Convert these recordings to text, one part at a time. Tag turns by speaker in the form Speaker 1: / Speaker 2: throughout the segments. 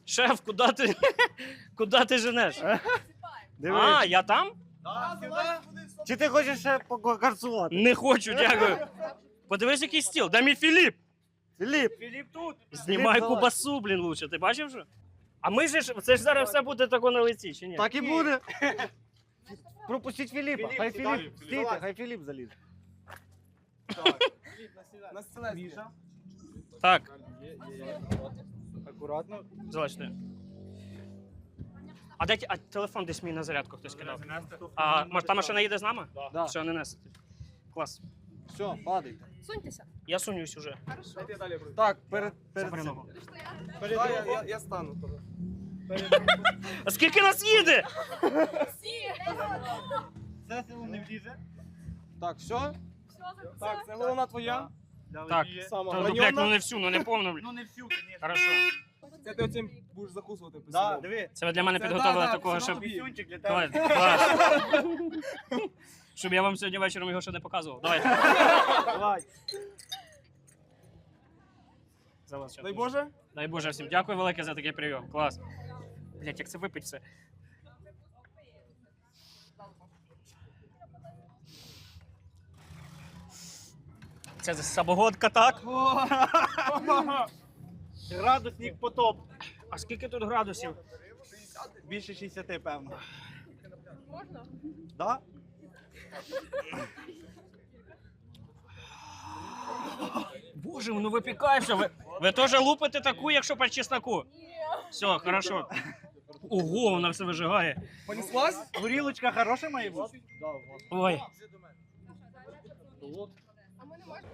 Speaker 1: Шеф, куди ти женеш? А, я там?
Speaker 2: Чи ти хочеш ще покарцувати?
Speaker 1: Не хочу, дякую. Подивись, який стіл. Дай мій Філіп.
Speaker 2: Філіп тут.
Speaker 1: Знімай
Speaker 2: Філіп,
Speaker 1: кубасу, блін, лучше. Ти бачив що? А ми ж, це ж зараз все буде тако на лиці, чи ні?
Speaker 2: Так і буде. Пропустіть Філіпа. Хай Філіп. Стійте, хай Філіп залізе.
Speaker 3: На стілець. Міша.
Speaker 1: Так,
Speaker 2: Акуратно.
Speaker 1: залиште. А телефон десь мій на зарядку хтось кидав. А може та машина їде з нами?
Speaker 2: Да.
Speaker 1: Все, не несете. Клас.
Speaker 2: Все, падайте.
Speaker 4: Суньтеся.
Speaker 1: Я сунюсь уже.
Speaker 4: Хорошо.
Speaker 3: Дайте далі. Бру.
Speaker 2: Так, перед
Speaker 1: Забери
Speaker 2: цим.
Speaker 1: ногу.
Speaker 3: Я стану.
Speaker 1: А скільки нас їде?
Speaker 4: Всі.
Speaker 2: Це село не влізе. Так, все?
Speaker 3: Так, це головна твоя.
Speaker 1: Так.
Speaker 3: Сама
Speaker 1: Та, ну, блядь, ну
Speaker 3: граньона.
Speaker 1: не всю, ну не повну, блядь.
Speaker 2: Ну не всю, звісно.
Speaker 1: Хорошо.
Speaker 3: Це ти оцим будеш закусувати. по
Speaker 2: Да,
Speaker 3: селу.
Speaker 2: диви.
Speaker 1: Це ви для мене
Speaker 3: Це
Speaker 1: підготовили
Speaker 3: да,
Speaker 1: такого,
Speaker 3: це
Speaker 1: щоб...
Speaker 3: тобі.
Speaker 2: Пісюнчик для
Speaker 1: Давай,
Speaker 2: тебе.
Speaker 1: клас. Щоб я вам сьогодні вечором його ще не показував. Давайте.
Speaker 2: Давай.
Speaker 1: За вас,
Speaker 3: Дай Боже.
Speaker 1: Дай Боже всім. Дякую велике за такий прийом. Клас. Блять, як це випить все. Це самогодка, так?
Speaker 2: Градусник потоп.
Speaker 1: А скільки тут градусів?
Speaker 2: Більше 60, певно.
Speaker 4: Можна?
Speaker 2: Да?
Speaker 1: Боже, воно випікається. Ви теж лупите таку, якщо по чесноку? Все, хорошо. Ого, вона все вижигає.
Speaker 3: Понеслась?
Speaker 2: Горілочка хороша має бути?
Speaker 1: Ой.
Speaker 4: А ми не можемо.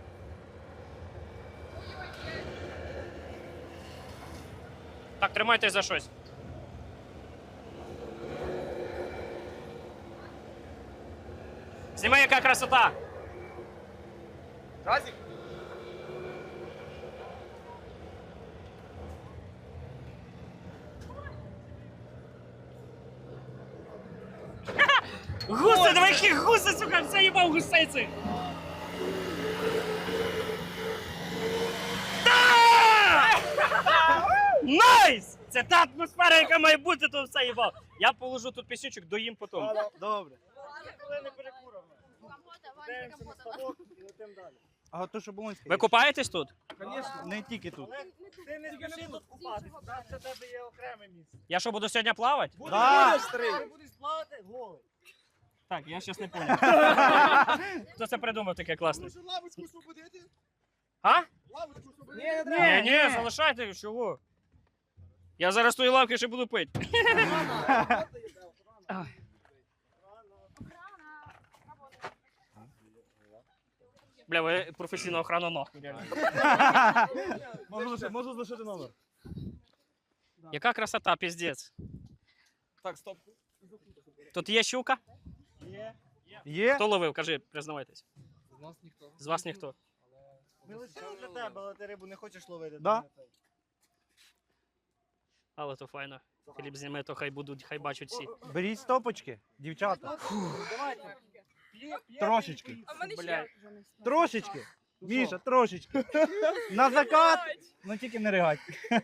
Speaker 1: Так, тримайтесь за щось. Знімай, яка красота.
Speaker 3: Разик.
Speaker 1: Гуси, давай які гуси, сука, все їбав гусейці. Да! Найс! Це та атмосфера, яка має бути, то все їбав. Я положу тут пісючок, доїм потім.
Speaker 2: Добре.
Speaker 4: Дивимося на ставок
Speaker 2: і летимо далі. А то, що Болонська.
Speaker 1: Ви купаєтесь тут?
Speaker 3: Конечно.
Speaker 2: Не тільки тут. Ти не спіши тут купатися, це тебе є окреме місце.
Speaker 1: Я що, буду сьогодні плавати?
Speaker 2: Да.
Speaker 3: старий.
Speaker 2: Будеш плавати голий.
Speaker 1: Так, я щас не понял. Хто це придумав таке класне?
Speaker 3: Лавочку освободити?
Speaker 1: А?
Speaker 3: Лавочку освободити? Ні, не
Speaker 1: Ні, залишайте, чого? Я зараз тої лавки ще буду пити. Ай. Бля, ви професійна охрана нахуй, реально.
Speaker 3: Можу залишити номер.
Speaker 1: Яка красота, піздець.
Speaker 3: Так, стоп.
Speaker 1: Тут є щука?
Speaker 2: Є?
Speaker 1: Хто ловив? Кажи, признавайтесь.
Speaker 3: З нас ніхто.
Speaker 1: З вас ніхто.
Speaker 2: Ми лишили для тебе, але ти рибу не хочеш ловити.
Speaker 3: Да.
Speaker 1: Але то файно. Філіп зніме, то хай будуть, хай бачать всі.
Speaker 2: Беріть стопочки, дівчата. Трошечки.
Speaker 4: А в мене
Speaker 1: Бля.
Speaker 4: ще.
Speaker 2: Трошечки. Міша, трошечки. На закат. Ну тільки не ригать.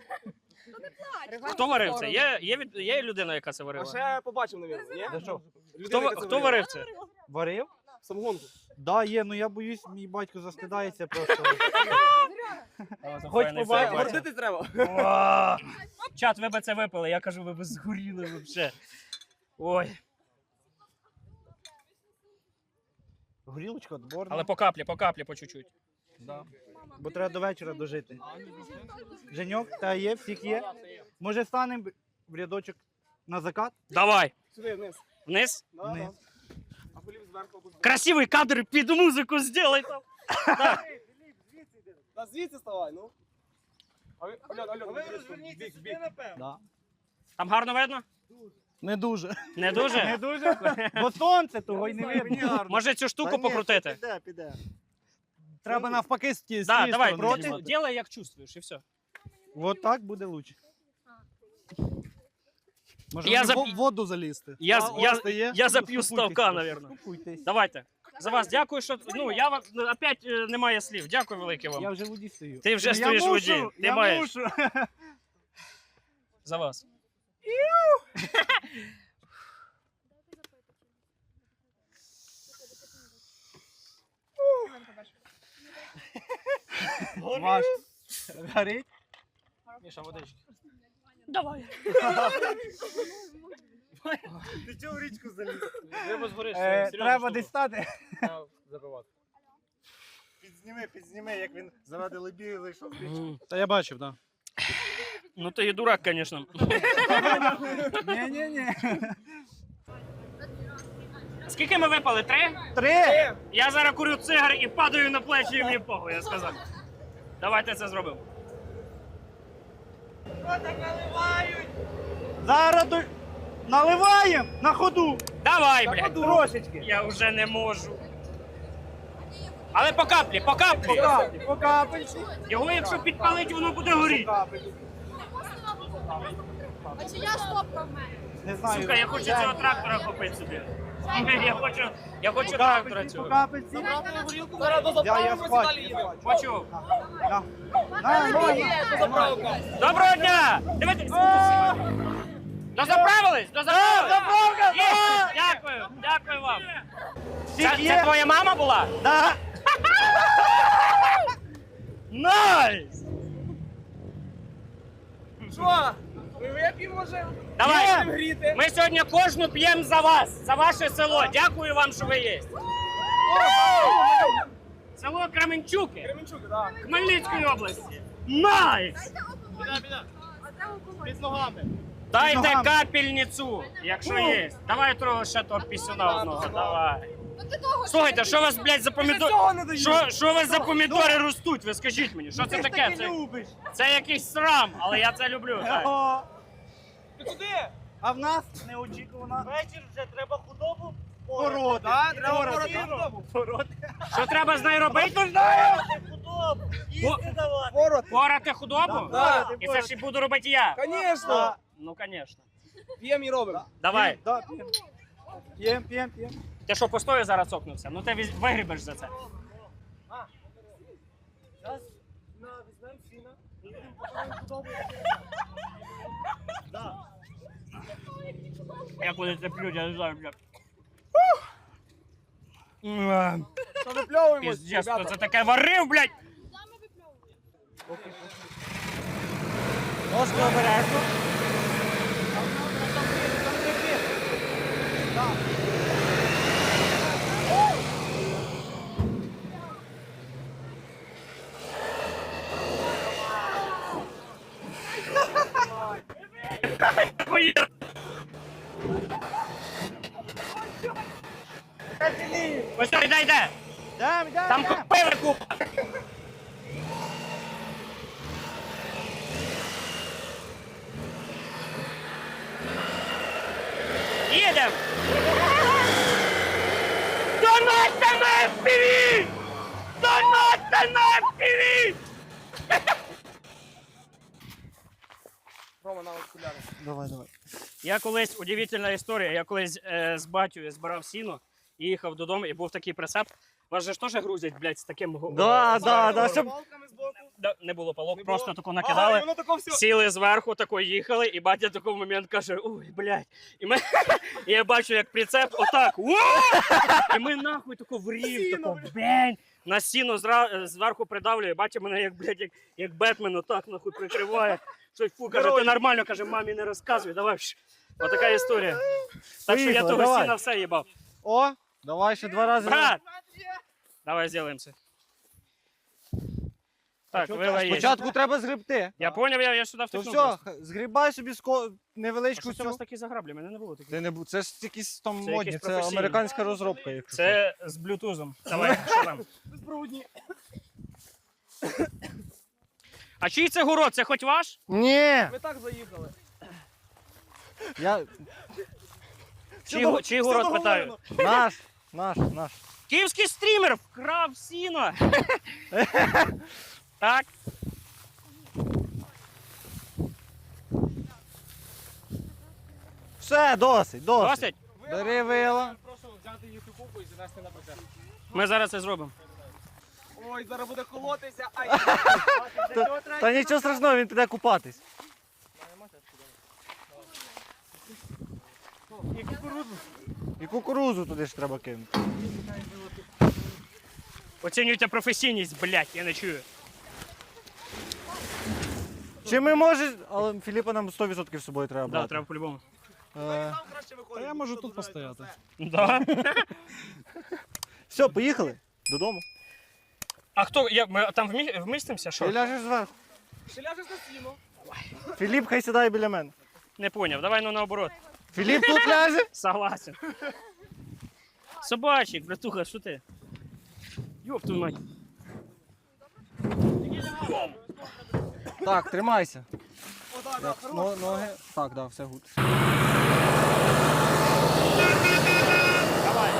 Speaker 1: Хто варив це? Є людина, яка це
Speaker 3: А
Speaker 1: варила?
Speaker 3: ще побачив, навіть, ні?
Speaker 2: За що?
Speaker 1: Хто варив це?
Speaker 2: Варив?
Speaker 3: Самогонку.
Speaker 2: Да, є, ну я боюсь, мій батько застидається просто.
Speaker 1: Хоч
Speaker 2: побачити.
Speaker 3: Гордитись треба.
Speaker 1: Чат, ви би це випили, я кажу, ви б згоріли взагалі. Ой.
Speaker 2: Горілочка отборна.
Speaker 1: Але по каплі, по чуть-чуть.
Speaker 2: Да. Бо треба до вечора дожити. Женьок, та є, всіх є. Може станемо в рядочок на закат?
Speaker 1: Давай.
Speaker 3: Сюди, вниз.
Speaker 1: Вниз.
Speaker 3: Да,
Speaker 2: Вниз.
Speaker 3: да. А Філіп зверху буде.
Speaker 1: Красивий кадр під музику зробай там.
Speaker 3: Та звідси ставай, ну. А ви, Альон, бік.
Speaker 2: Да.
Speaker 1: Там гарно видно?
Speaker 2: Не дуже.
Speaker 1: Не дуже?
Speaker 2: Не дуже? Бо сонце того й не видно.
Speaker 1: Може цю штуку покрутити?
Speaker 2: Піде. Треба навпаки
Speaker 1: Да, давай,
Speaker 2: проти.
Speaker 1: делай як чувствуєш і все.
Speaker 2: Вот так буде лучше. Може
Speaker 1: Я
Speaker 2: мені
Speaker 1: зап-
Speaker 2: в воду залізти?
Speaker 1: Я зап'ю ставка, напевно.
Speaker 2: Скупуйтесь.
Speaker 1: Давайте. За вас дякую, що... Ну, я вам... Опять немає слів. Дякую велике
Speaker 2: Я
Speaker 1: вам.
Speaker 2: вже в воді стою.
Speaker 1: Ти вже
Speaker 2: Ну,
Speaker 1: стоїш в воді. Ти
Speaker 2: Я
Speaker 1: маєш.
Speaker 2: мушу.
Speaker 1: За вас.
Speaker 2: Маш, горить?
Speaker 3: Міша, водички.
Speaker 1: Давай.
Speaker 3: Ти чого в річку заліз? Треба згориш.
Speaker 2: Треба десь стати.
Speaker 3: Забивати. Підзніми, як він заради лебіги зайшов в річку.
Speaker 2: Та я бачив, так.
Speaker 1: Ну ти і дурак, звісно.
Speaker 2: Ні.
Speaker 1: Скільки ми випали? 3?
Speaker 2: 3!
Speaker 1: Я зараз курю цигар і падаю на плечі, і мені похуй, я сказав. Давайте це зробимо.
Speaker 2: Зараз наливаємо на ходу.
Speaker 1: Давай, блядь.
Speaker 2: Трошечки.
Speaker 1: Я вже не можу. Але по каплі.
Speaker 2: По капельці.
Speaker 1: Його якщо підпалить, воно буде горіти.
Speaker 4: А чи я стопка в мене?
Speaker 2: Не знаю.
Speaker 1: Сука, я хочу цього трактора купити собі. Я хочу
Speaker 2: По
Speaker 1: трактора
Speaker 2: капельці, по
Speaker 1: цього.
Speaker 2: капельці.
Speaker 3: Зараз
Speaker 2: Я схвачу.
Speaker 1: Хочу.
Speaker 2: На.
Speaker 1: Доброго дня! Дивіться. Дозаправились?
Speaker 2: Заправка!
Speaker 1: Є! Дякую вам. Це твоя мама була?
Speaker 2: Да.
Speaker 1: Найс!
Speaker 3: Що? Ви вип'ємо, може?
Speaker 1: Давай,
Speaker 3: Гріти.
Speaker 1: ми сьогодні кожну п'ємо за вас, за ваше село. Дякую вам, що ви є. Село Кременчуки,
Speaker 3: Кременчук, так.
Speaker 1: Хмельницької області. Найс!
Speaker 3: Під ногами.
Speaker 1: Дайте
Speaker 2: ногами.
Speaker 1: капельницю, якщо є. Давай трохи ще того пісюна одного, давай. Слухайте, що у вас, блядь, за помідори? Що у вас за помідори ростуть? Ви скажіть мені, що це
Speaker 2: Ти ж
Speaker 1: таке?
Speaker 2: таки любиш.
Speaker 1: Це якийсь срам, але я це люблю. Так.
Speaker 2: О,
Speaker 3: Ти куди?
Speaker 2: А в нас неочікувано.
Speaker 3: Вечір вже треба худобу
Speaker 2: Породи.
Speaker 3: Так, треба
Speaker 2: Породи.
Speaker 3: пороти худобу.
Speaker 2: Породи.
Speaker 1: Що треба з нею робити? Не знаю.
Speaker 3: Худобу.
Speaker 1: Їсти
Speaker 3: давати. Пород.
Speaker 1: Порати худобу?
Speaker 3: Да.
Speaker 1: І це ж і буду робити я.
Speaker 3: Звісно.
Speaker 1: Ну, звісно.
Speaker 3: П'ємо і робимо.
Speaker 1: Давай.
Speaker 2: Да, п'єм. П'єм.
Speaker 1: Ти що, постою зараз цокнувся? Ну ти вигрібеш за це.
Speaker 3: Зараз візьмемо сіна.
Speaker 1: Як вони це п'ють, я не знаю, блядь.
Speaker 3: Що випльовуємось,
Speaker 1: Піздець, хто
Speaker 3: ребята?
Speaker 1: це таке варив, блядь?
Speaker 2: Ножку обережно.
Speaker 1: Ось так, йде. Там
Speaker 2: Йдем.
Speaker 1: купили купа. Їдем! Донатьте на FPV! Донатьте на FPV!
Speaker 3: Рома, на окуляри.
Speaker 2: Давай.
Speaker 1: Я колись, удивительна історія, я колись з батьком збирав сіно і їхав додому, і був такий прицеп. Вас же ж теж грузять, блядь, з таким
Speaker 2: щоб...
Speaker 3: Палками збоку.
Speaker 1: Не було палок,
Speaker 3: Не
Speaker 1: просто
Speaker 3: було?
Speaker 1: таку
Speaker 3: Ага,
Speaker 1: накидали.
Speaker 3: і воно тако все.
Speaker 1: Сіли зверху, тако їхали, і батя в такий момент каже: ой, блядь. І я бачу, як прицеп отак. І ми нахуй тако в рів, тако бень. На сіно зверху придавлює, батя мене як, блядь, як Бетмен отак нахуй прикриває. Щось фу, каже, ти нормально, каже, мамі не розказуй, давай. Отака історія. Так що я
Speaker 2: Поїхали,
Speaker 1: того
Speaker 2: давай.
Speaker 1: сіна все їбав.
Speaker 2: О, давай ще 2 рази.
Speaker 1: Брат! Давай зробимо це. Так, вила є.
Speaker 2: Спочатку треба згребти.
Speaker 1: Я поняв, я сюди
Speaker 2: То
Speaker 1: втикнув.
Speaker 2: все, згрібай собі невеличку
Speaker 1: Що це у вас
Speaker 2: цю.
Speaker 1: такі заграблі? Мене не було таких.
Speaker 2: Це не це ж якісь там
Speaker 1: Це
Speaker 2: модні,
Speaker 1: якісь
Speaker 2: це
Speaker 1: професійні.
Speaker 2: американська розробка. Якщо що.
Speaker 1: Це з блютузом. Давай, що там?
Speaker 3: Безпроводні.
Speaker 1: А чий це город? Це хоч ваш?
Speaker 2: Ні!
Speaker 3: Ми так заїхали.
Speaker 2: Я...
Speaker 1: Чий город, питаю?
Speaker 2: Наш.
Speaker 1: Київський стрімер вкрав сіно. Так.
Speaker 2: Все, досить.
Speaker 1: Досить?
Speaker 2: Бери вила.
Speaker 3: Прошу взяти їхню купу і занести на прицеп.
Speaker 1: Ми зараз це зробимо.
Speaker 3: Ой, зараз буде колотися. Ай.
Speaker 2: Та нічого страшного, він піде купатись. І кукурузу туди ж треба кинути.
Speaker 1: Оцінюйте професійність, блядь, я не чую.
Speaker 2: Чи ми можемо... Але Філіпа нам 100% з собою треба
Speaker 1: Да,
Speaker 2: брати.
Speaker 1: треба по-любому.
Speaker 3: Та я можу тут постояти.
Speaker 1: Да.
Speaker 2: Все, поїхали додому.
Speaker 1: А хто? Ми там вмістимося?
Speaker 2: Ти
Speaker 1: Що?
Speaker 2: ляжеш зверху.
Speaker 3: Ще ляжеш на сіно.
Speaker 2: Філіп хай сідає біля мене.
Speaker 1: Не поняв, давай ну наоборот.
Speaker 2: Філіп тут ляже?
Speaker 1: Согласен. Собачик, братуха, що ти? Ёб твою мать.
Speaker 2: Так, тримайся.
Speaker 3: Отак,
Speaker 2: Ноги. Так, да, все гуд.
Speaker 1: Давай.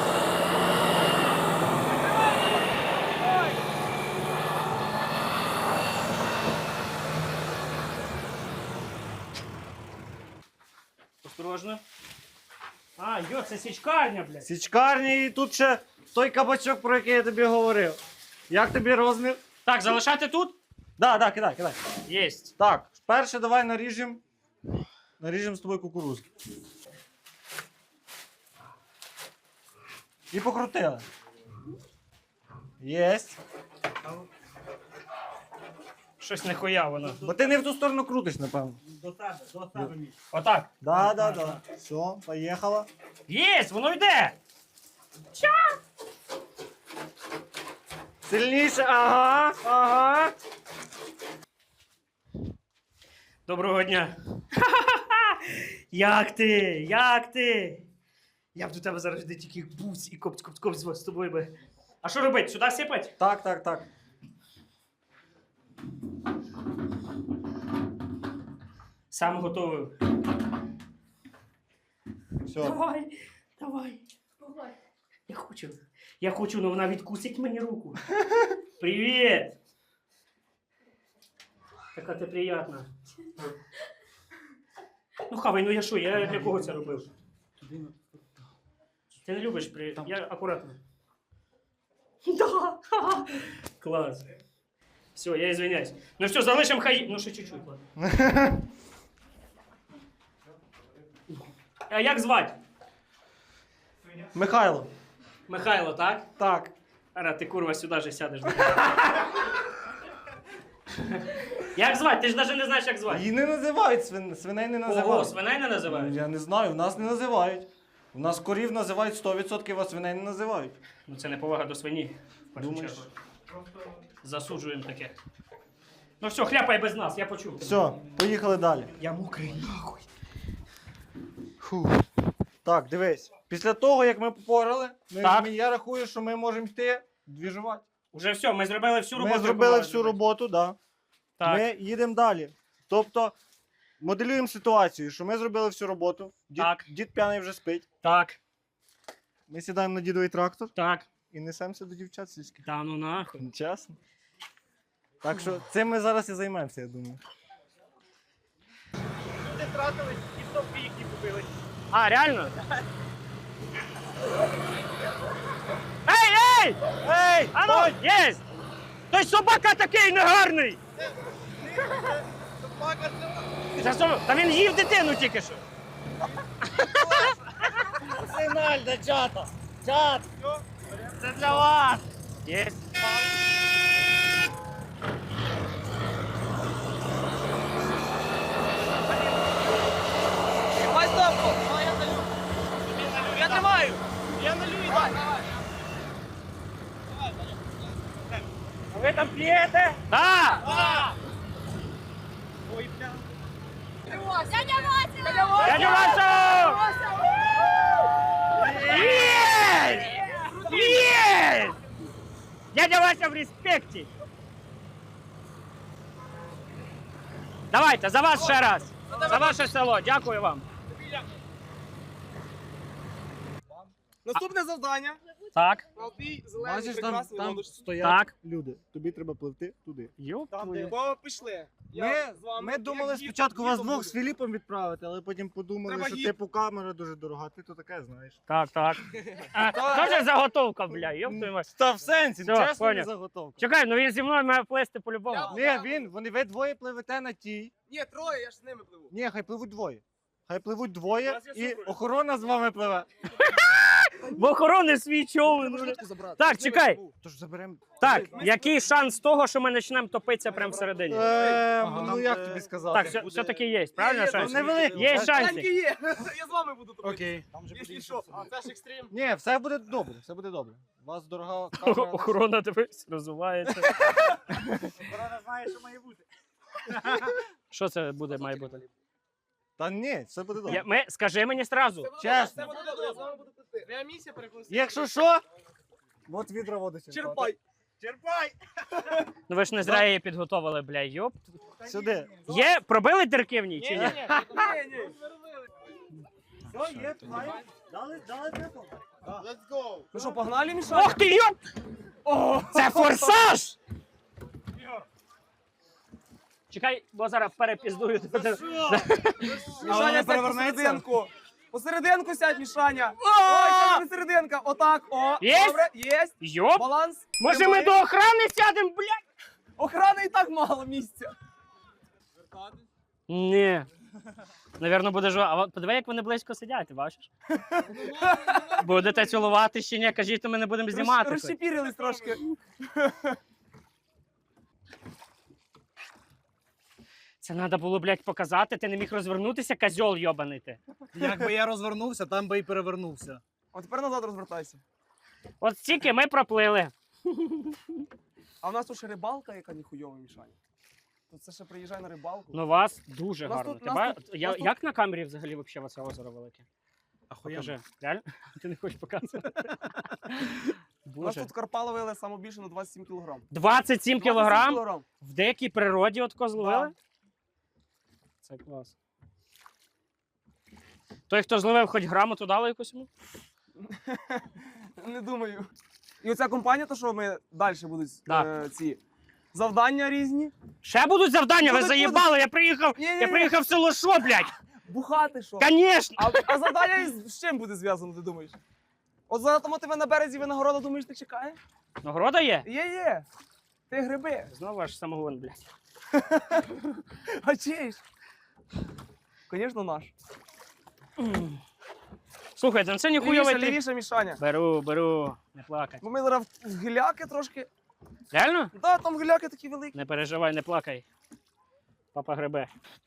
Speaker 1: Осторожно. А, йо, це січкарня, блядь.
Speaker 2: Січкарні і тут ще той кабачок, про який я тобі говорив. Як тобі розмір?
Speaker 1: Так, залишати тут?
Speaker 2: Да, кидай.
Speaker 1: Єсть.
Speaker 2: Так, перше давай наріжемо. Наріжемо з тобою кукурузу. І покрутили. Єсть.
Speaker 1: Щось нехуя воно.
Speaker 2: Бо ти не в ту сторону крутиш, напевно.
Speaker 1: До тебе, Міш. Отак.
Speaker 2: Да. Все, поїхала.
Speaker 1: Єсть, воно йде.
Speaker 2: Сильніше, ага.
Speaker 1: Доброго дня. Як ти? Як ти? Я б до тебе зараз де тільки буць і коп з тобою би. А що робити? Сюди сипать?
Speaker 2: Так.
Speaker 1: Сам готовий.
Speaker 2: Все.
Speaker 1: Давай. Я хочу, але вона відкусить мені руку. Привіт! Така ти приятна. Ну хавай, ну я що, я для кого це робив? Ти не любиш Я акуратно. Да! Клас. Все, я извиняюсь. Ну все, залишимо хай. Ну ще чуть-чуть, ладно. А як звати?
Speaker 2: Михайло.
Speaker 1: Михайло, так?
Speaker 2: Так.
Speaker 1: Ара, ти курва сюди же сядеш. Як звати? Ти ж навіть не знаєш, як звати.
Speaker 2: Її не називають, свиней не
Speaker 1: Ого,
Speaker 2: називають.
Speaker 1: свиней не називають?
Speaker 2: Я не знаю, в нас не називають. У нас корів називають 100%, а свиней не називають.
Speaker 1: Ну це не повага до свині, в першу
Speaker 2: Думаєш?
Speaker 1: чергу. Засуджуємо таке. Ну все, хляпай без нас, я почув.
Speaker 2: Все, поїхали далі.
Speaker 1: Я мокрий, нахуй.
Speaker 2: Так, дивись. Після того, як ми попорали,
Speaker 1: Так.
Speaker 2: я рахую, що ми можемо йти двіжувати.
Speaker 1: Уже все, ми зробили всю роботу.
Speaker 2: Ми
Speaker 1: яку
Speaker 2: зробили
Speaker 1: мали
Speaker 2: всю
Speaker 1: зробити.
Speaker 2: роботу, так.
Speaker 1: Так.
Speaker 2: Ми їдемо далі. Тобто, моделюємо ситуацію, що ми зробили всю роботу.
Speaker 1: Так.
Speaker 2: Дід п'яний вже спить.
Speaker 1: Так,
Speaker 2: Ми сідаємо на дідовий трактор
Speaker 1: так.
Speaker 2: і несемося до дівчат сільських.
Speaker 1: Та ну нахуй.
Speaker 2: Чесно. Так що цим ми зараз і займемося, я думаю.
Speaker 1: Люди втратились і стовпи їхні купили. А, реально? Ей!
Speaker 2: Ей!
Speaker 1: А ну, єсть! Той собака такий негарний! Та він їв дитину тільки що.
Speaker 2: Сигналь до чата! Чат!
Speaker 1: Це для вас! Єсть.
Speaker 3: Давай стопку. Давай я налю. Я тримаю. Я налю і дай.
Speaker 1: Ви там п'єте? Так!
Speaker 3: Ой, бля.
Speaker 4: Дядя Вася!
Speaker 1: Дядя Васю! Єсть! Єсть! Дядя Вася в респекті! Давайте, за вас ще раз! За ваше село, дякую вам!
Speaker 3: Наступне завдання.
Speaker 1: Так,
Speaker 3: Золотий, зелений,
Speaker 2: Бачиш, там,
Speaker 3: прекрасний
Speaker 2: там
Speaker 3: лодочник.
Speaker 2: стоять
Speaker 1: так.
Speaker 2: люди. Тобі треба пливти туди.
Speaker 1: Йоп
Speaker 3: Там,
Speaker 1: твою.
Speaker 3: де пішли. Я з вами,
Speaker 2: Ми
Speaker 3: як
Speaker 2: думали
Speaker 3: гід-
Speaker 2: спочатку вас
Speaker 3: гідом
Speaker 2: двох
Speaker 3: буду.
Speaker 2: з Філіпом відправити, але потім подумали,
Speaker 3: Треба
Speaker 2: що
Speaker 3: гід.
Speaker 2: типу камера дуже дорога. Ти то таке знаєш.
Speaker 1: Так, так. Тоже заготовка, бля, йоп твою мать.
Speaker 2: Та в сенсі,
Speaker 1: Все,
Speaker 2: чесно не
Speaker 1: поняв.
Speaker 2: заготовка.
Speaker 1: Чекай, ну він зі мною має плести по-любому.
Speaker 3: Я-
Speaker 2: Ні, ви двоє пливете на тій.
Speaker 3: Ні, троє, я ж з ними пливу.
Speaker 2: Ні, хай пливуть двоє. Хай пливуть двоє і охорона з вами пливе.
Speaker 1: В охорони свій човен. бля. Так, чекай.
Speaker 2: Тож заберемо.
Speaker 1: Так, який шанс того, що ми почнемо топитися прямо всередині?
Speaker 2: Ну як тобі сказати?
Speaker 1: Так, все-таки є, правильно шанс?
Speaker 2: невеликий.
Speaker 1: Є
Speaker 2: Так,
Speaker 1: шанси.
Speaker 3: є. Я з вами буду тобі.
Speaker 2: Окей.
Speaker 3: Якщо що, це ж екстрим.
Speaker 2: Ні, все буде добре, все буде добре. У вас дорога камера.
Speaker 1: Охорона дивись, розвивається.
Speaker 2: Охорона знає, що має бути.
Speaker 1: Що це буде, має бути?
Speaker 2: Та ні, все буде добре.
Speaker 1: Скажи мені зразу.
Speaker 2: Чесно.
Speaker 3: Це буде добре, я з вами буду пити. Твоя місія переконати.
Speaker 2: Якщо що, от відра води сюди.
Speaker 3: Черпай.
Speaker 2: Черпай!
Speaker 1: Ну ви ж не зря її підготовили, бля, йоп.
Speaker 2: Сюди.
Speaker 1: Є, пробили дірки в ній чи ні?
Speaker 3: Ні.
Speaker 2: Все, є, дали темpo. Let's go.
Speaker 3: Ну що, погнали, Мішаня?
Speaker 1: Ох ти йоп! Це форсаж! Чекай, бо зараз перепіздую.
Speaker 3: Мішаня, сядь
Speaker 2: перевернеться?
Speaker 3: посерединку. Посерединку сядь, Мішаня. Ой, сядь посерединка. Отак, о.
Speaker 1: Єсть?
Speaker 3: Добре, єсть.
Speaker 1: Йоп!
Speaker 3: Баланс.
Speaker 1: Може ми до охорони сядемо, блядь?
Speaker 3: Охрани і так мало місця.
Speaker 1: Ні. Навірно, буде жо. А от подиви, як вони близько сидять, ти бачиш? Будете цілувати чи ні? Кажіть, то ми не будемо знімати. хоч.
Speaker 3: Розчепірились трошки.
Speaker 1: Це треба було, блядь, показати. Ти не міг розвернутися, козьол йобаний ти.
Speaker 2: Якби я розвернувся, там би і перевернувся.
Speaker 3: От тепер назад розвертайся.
Speaker 1: От стільки ми проплили.
Speaker 3: А в нас тут ще рибалка, яка ніхуйова, Мішаня. Тут це ще приїжджай на рибалку.
Speaker 1: Ну, у вас дуже
Speaker 3: Нас
Speaker 1: гарно.
Speaker 3: тут-
Speaker 1: Ти
Speaker 3: нас
Speaker 1: ба-
Speaker 3: тут-
Speaker 1: Я-
Speaker 3: нас тут-
Speaker 1: Як на камері взагалі вообще оце озеро велике?
Speaker 2: Ахуєнно.
Speaker 1: Покажи. Реально? Ти не хочеш показувати?
Speaker 3: У нас
Speaker 1: Боже.
Speaker 3: тут карпа ловили саме більше на 27 кілограм.
Speaker 1: 27 кілограм?
Speaker 3: кілограм.
Speaker 1: В деякій природі от зловили?
Speaker 3: Да.
Speaker 1: Це клас. Той, хто зловив хоч грамоту, дали якусь йому?
Speaker 3: Не думаю. І оця компанія, то що ми далі будуть
Speaker 1: Да.
Speaker 3: ці завдання різні.
Speaker 1: Ще будуть завдання, ви
Speaker 3: Будуть,
Speaker 1: заїбали, я приїхав,
Speaker 3: Ні-ні-ні.
Speaker 1: я приїхав в село шо, блядь?
Speaker 3: Бухати що?
Speaker 1: Конечно!
Speaker 3: А завдання з чим буде зв'язано, ти думаєш? От зараз тому тебе на березі винагорода, думаєш, ти чекає?
Speaker 1: Нагорода є?
Speaker 3: Є. Ти гриби.
Speaker 1: Знову аж самогон, блядь.
Speaker 3: А чиїш? Звісно, наш.
Speaker 1: Слухайте, ну це ніхуйовий
Speaker 3: Лівіше,
Speaker 1: трip.
Speaker 3: лівіше, Мішаня.
Speaker 1: Беру, не плакай.
Speaker 3: Бо ми зараз в гиляки трошки.
Speaker 1: Реально?
Speaker 3: Да, там гиляки такі великі.
Speaker 1: Не переживай, не плакай. Папа гребе.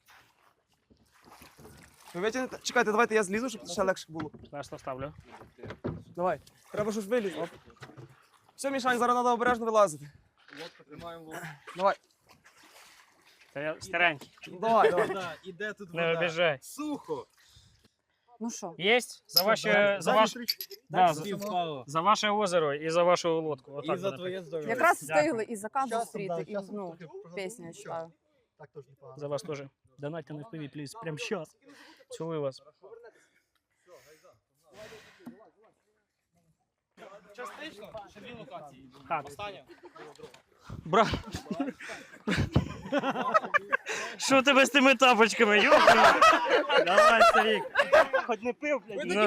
Speaker 3: Ви витягнете? Чекайте, давайте я злізу, щоб ще легше було.
Speaker 1: Зараз ставлю.
Speaker 3: Давай. Треба щось вилізти. Все, Мішань, зараз треба обережно вилазити. Давай.
Speaker 1: Та я старенький.
Speaker 3: Давай.
Speaker 2: Іде тут
Speaker 1: Не обіжай.
Speaker 2: Сухо.
Speaker 4: Ну що?
Speaker 1: Єсть? За ваше, за ваше озеро і за вашу лодку. Отак
Speaker 2: І за
Speaker 1: буде.
Speaker 2: твоє здоров'я.
Speaker 4: Якраз
Speaker 1: Дякую.
Speaker 4: встигли і заказ
Speaker 2: Часом,
Speaker 4: зустріти,
Speaker 2: да,
Speaker 4: і
Speaker 2: часом
Speaker 4: ну,
Speaker 2: трохи
Speaker 4: пісню я читаю.
Speaker 2: Так теж непогано.
Speaker 1: За вас теж. Донатьте на FPV, пліз. Прямо щас. Цілую вас.
Speaker 3: Частично, ще дві локації.
Speaker 1: Хат.
Speaker 3: Остання.
Speaker 1: Брат. Що тебе з тими тапочками? Йопа. Давай, старик. Хоч не пив, блядь. Ну.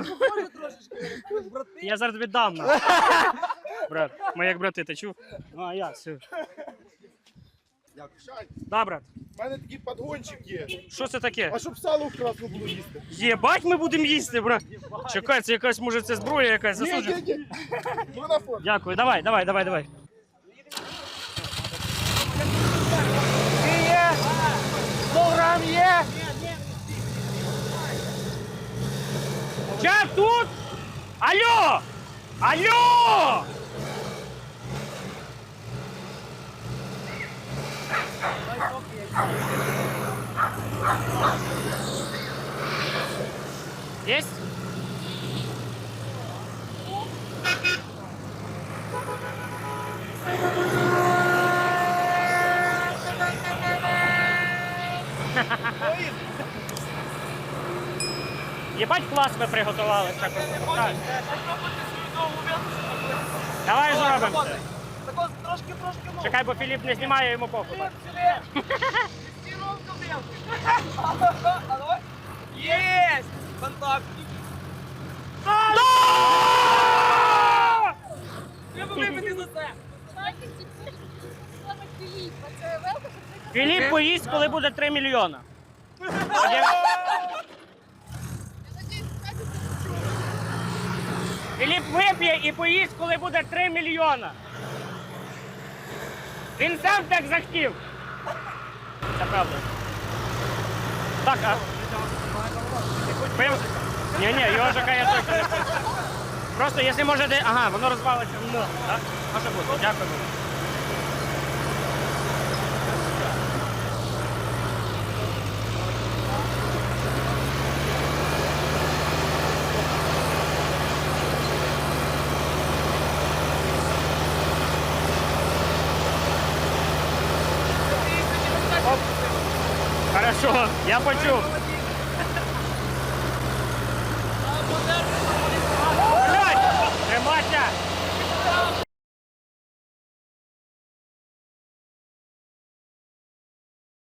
Speaker 1: Я зараз віддам. нахуй. Брат, ми як брати, ти чув? Ну, а я, все.
Speaker 5: Як шань,
Speaker 1: Да, брат.
Speaker 5: в мене такий подгончик є.
Speaker 1: Що це таке?
Speaker 5: А щоб сало вкрасно було їсти.
Speaker 1: Єбать, ми будемо їсти, брат. Чекай, це якась, може, це зброя якась заслужена.
Speaker 5: Ні. Ну на фон.
Speaker 1: Дякую, давай.
Speaker 2: Є! 100 грам є!
Speaker 1: Я тут! Алло! Алло! Есть? Єбать клас ви приготували. Так, так. Давай зробимо це.
Speaker 3: Так трошки, ну.
Speaker 1: Чекай, бо Філіп не знімає, йому похуй.
Speaker 3: А давай. Єсть! Контакт. Треба випити за це.
Speaker 1: Філіп поїсть, коли буде 3 мільйона. Філіп вип'є і поїсть, коли буде 3 мільйона. Він сам так захотів. Це правда. Так, а... Пив? Ні, його ЖК я точно не пив. Просто, якщо може, де... Ага, воно розвалиться. Ну, так? Може бути, дякую. Хорошо, я почув.